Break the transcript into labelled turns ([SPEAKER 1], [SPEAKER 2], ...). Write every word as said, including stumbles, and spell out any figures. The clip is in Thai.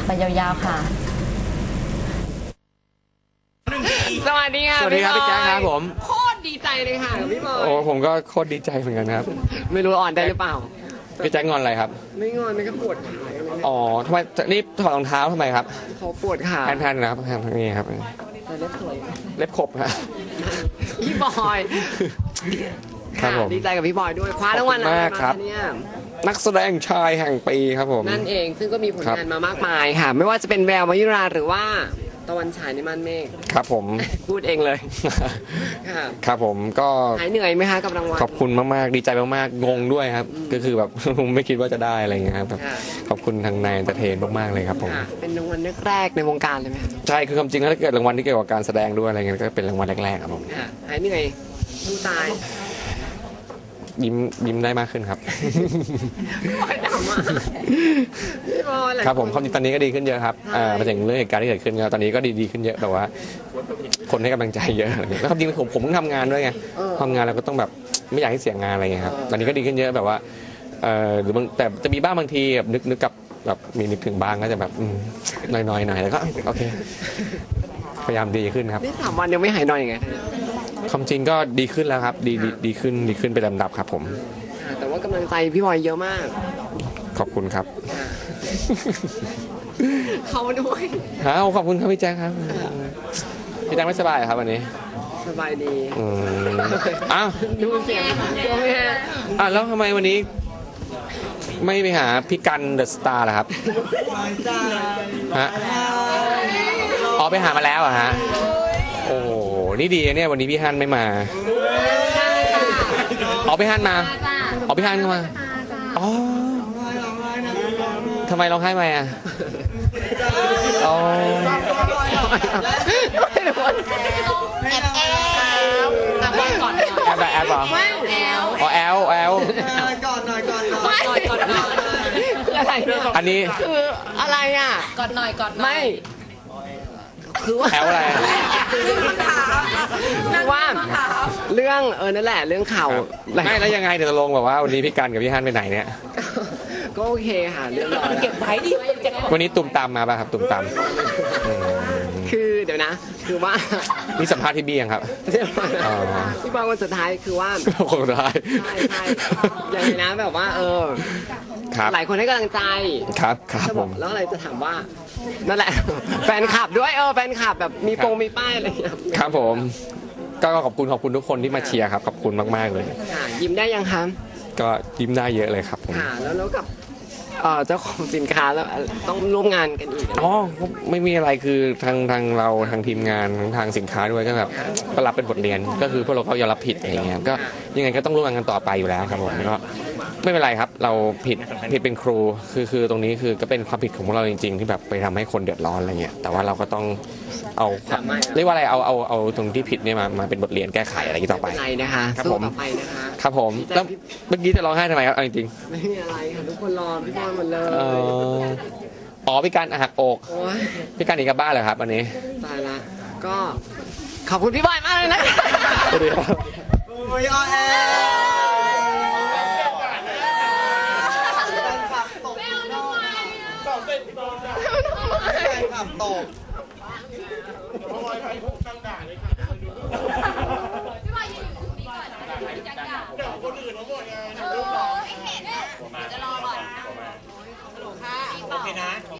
[SPEAKER 1] ไปยาวๆค่ะ
[SPEAKER 2] สวัสดีค่ะ
[SPEAKER 3] สวัสดีครับพี่แจ๊คครับผม
[SPEAKER 2] โคตรดีใจเลยค่ะพี่บอย
[SPEAKER 3] โอ้ผมก็โคตรดีใจเหมือนกันครับ
[SPEAKER 2] ไม่รู้อ่อนได้หรือเปล่า
[SPEAKER 3] พี่แจ๊คงอนอะไรครับ
[SPEAKER 2] ไม่งอนไม่ก็ปวดขา
[SPEAKER 3] อ๋อทำไมนี่ถอดรองเท้าทำไมครับ
[SPEAKER 2] เขาปวดขา
[SPEAKER 3] แพนๆนะครับแพนๆนี่ครับ
[SPEAKER 2] แต่เล็บสวย
[SPEAKER 3] เล็บขบครับ
[SPEAKER 2] พี่บอย
[SPEAKER 3] ครับผม
[SPEAKER 2] ดีใจกับพี่บอยด้วยคว้ารางวัลอะไรมาเนี่ย
[SPEAKER 3] นักแสดงชายแห่งปีครับผม
[SPEAKER 2] นั่นเองซึ่งก็มีผลงานมามากมายค่ะไม่ว่าจะเป็นแววมายุราหรือว่าตะวันฉายในม่านเมฆ
[SPEAKER 3] ครับผม
[SPEAKER 2] พูดเองเลย
[SPEAKER 3] ครับผมก็
[SPEAKER 2] หายเหนื่อยไหมคะกับรางวัล
[SPEAKER 3] ขอบคุณมากๆดีใจมากๆงงด้วยครับก็คือแบบไม่คิดว่าจะได้อะไรอย่างเงี้ยครับขอบคุณทางนายเอนเตอร์เทนมากๆเลยครับผม
[SPEAKER 2] เป็นรางวัลแรกในวงการเลยไหม
[SPEAKER 3] ใช่คือความจริงถ้าเกิดรางวัลที่เกี่ยวกับการแสดงด้วยอะไรเงี้ยก็เป็นรางวัลแรกๆครับผม
[SPEAKER 2] หายเหนื่อยดูตาย
[SPEAKER 3] ยิ้มยิ้มได้มากขึ้นครับ
[SPEAKER 2] ค
[SPEAKER 3] รับผมความจริงตอนนี้ก็ดีขึ้นเยอะครับมาถึงเรื่องเหตุการณ์ที่เกิดขึ้นตอนนี้ก็ดีดีขึ้นเยอะแต่ว่าคนให้กำลังใจเยอะแล้วความจริงผมผมต้องทำงานด้วยไงทำงานเราก็ต้องแบบไม่อยากให้เสียงานอะไรเงี้ยครับตอนนี้ก็ดีขึ้นเยอะแบบว่าหรือบางแต่จะมีบ้างบางทีแบบนึกนึกกับแบบมีนึกถึงบ้างก็จะแบบน้อยๆหน่อยแล้วก็โอเคพยายามดีขึ้นครับ
[SPEAKER 2] นี่สามวันยังไม่หายหน่อยไง
[SPEAKER 3] ความจริงก็ดีขึ้นแล้วครับดีดีขึ้นดีขึ้นไปลำดับครับผม
[SPEAKER 2] แต่ว่ากำลังใจพี่บอยเยอะมาก
[SPEAKER 3] ขอบคุณครับ
[SPEAKER 2] เขาด้วย
[SPEAKER 3] ครับขอบคุณครับพี่แจ๊คครับพี่แจ๊คไม่สบายครับวันนี้
[SPEAKER 2] สบายดี
[SPEAKER 3] อ้าว
[SPEAKER 2] ดูเสียงตัวแม่
[SPEAKER 3] อ่ะแล้วทำไมวันนี้ไม่ไปหาพี่กันเดอะสตาร์ล่ะครับฮะอ๋อไปหามาแล้วอะฮะโอ้นี่ดีเนี่ยวันนี้พี่ฮันไม่มาอ๋อพี่ฮันมาอ๋อพี่ฮันก็มาอ๋อทำไมร้องไห้มาอ่ะอ๋อ
[SPEAKER 1] แอบแอบแอบก่อน
[SPEAKER 3] แอบแอบเหรออ๋อแอลแอล
[SPEAKER 2] ก่อนหน่อยก่อนหน่อยก่อนหน่อยคืออะไร
[SPEAKER 3] อันนี้
[SPEAKER 2] คืออะไรอ่ะ
[SPEAKER 1] ก่อนหน่อยก่อน
[SPEAKER 2] ไม่คือว่า
[SPEAKER 3] แอลอะไร
[SPEAKER 2] คือว่าเรื่องเออนั่นแหละเรื่องข่าว
[SPEAKER 3] ไม่แล้วยังไงเดี๋ยวจะลงแบบว่าวันนี้พี่กันกับพี่ฮันไปไหนเนี่ย
[SPEAKER 2] ก็โอเคค่ะเรื่องรอ
[SPEAKER 1] เก็บไว้ดิ
[SPEAKER 3] วันนี้ตุ่มตามมาป่ะครับตุ่มตาม
[SPEAKER 2] คือเดี๋ยวนะคือว่า
[SPEAKER 3] นี่สัมภาษณ์พี่บี้ยังครับ
[SPEAKER 2] พี่บอลคนสุดท้ายคือว่า
[SPEAKER 3] คนสุดท้าย
[SPEAKER 2] ใช่ใช่อย่างนี้นะแบบว่าเออหลายคนให้กำลังใจ
[SPEAKER 3] ครับครับผม
[SPEAKER 2] แล้วอะไรจะถามว่านั่นแหละแฟนคลับด้วยเออแฟนคลับแบบมีโปงมีป้ายอะไร
[SPEAKER 3] ครับผมก็ขอบคุณขอบคุณทุกคนที่มาเชียร์ครับขอบคุณมากๆเลย
[SPEAKER 2] ยิ้มได้ยังคะ
[SPEAKER 3] ก็ยิ้มได้เยอะเลยครับผม
[SPEAKER 2] ค่ะแล้วแล้วกับเจ้าของสินค้าแล้วต้องร่วมงานกันอีก
[SPEAKER 3] อ๋อไม่มีอะไรคือทางทางเราทางทีมงานทางสินค้าด้วยก็แบบก็รับเป็นบทเรียนก็คือพวกเราก็ยอมรับผิดอะไรเงี้ยก็ยังไงก็ต้องร่วมงานกันต่อไปอยู่แล้วครับผมก็ไม่เป็นไรครับเราผิดผิดเป็นครูคือคือตรงนี้คือก็เป็นความผิดของพวกเราจริงๆที่แบบไปทำให้คนเดือดร้อนอะไรเงี้ยแต่ว่าเราก็ต้องเอาเรียกว่าอะไรเอาเอาเอาตรงที่ผิดเนี่ยมามาเป็นบทเรียนแก้ไขอะไรต่อไป
[SPEAKER 2] นะคะ
[SPEAKER 3] ครับผม
[SPEAKER 2] ไปนะคะ
[SPEAKER 3] ครับผมแล้วเมื่อกี้จะร้องไห้ทำไมครับจริง
[SPEAKER 2] ๆไม่มีอะไรค่ะทุกคนรอพี่บอลหมดเลย
[SPEAKER 3] อ๋อพี่การหักอกพี่การหนีกลับบ้านเหรอครับวันนี้
[SPEAKER 2] ตายละก็ขอบคุณพี่บอยมากเลยนะ
[SPEAKER 3] สวัสดีครับ
[SPEAKER 2] โอ้ยออแอขับตก
[SPEAKER 1] เดี๋ยวคนอื่นมาหมดไงเดี๋ยวไม่เห็นจะรอก่อนฮัลโหลค่ะโอเคนะ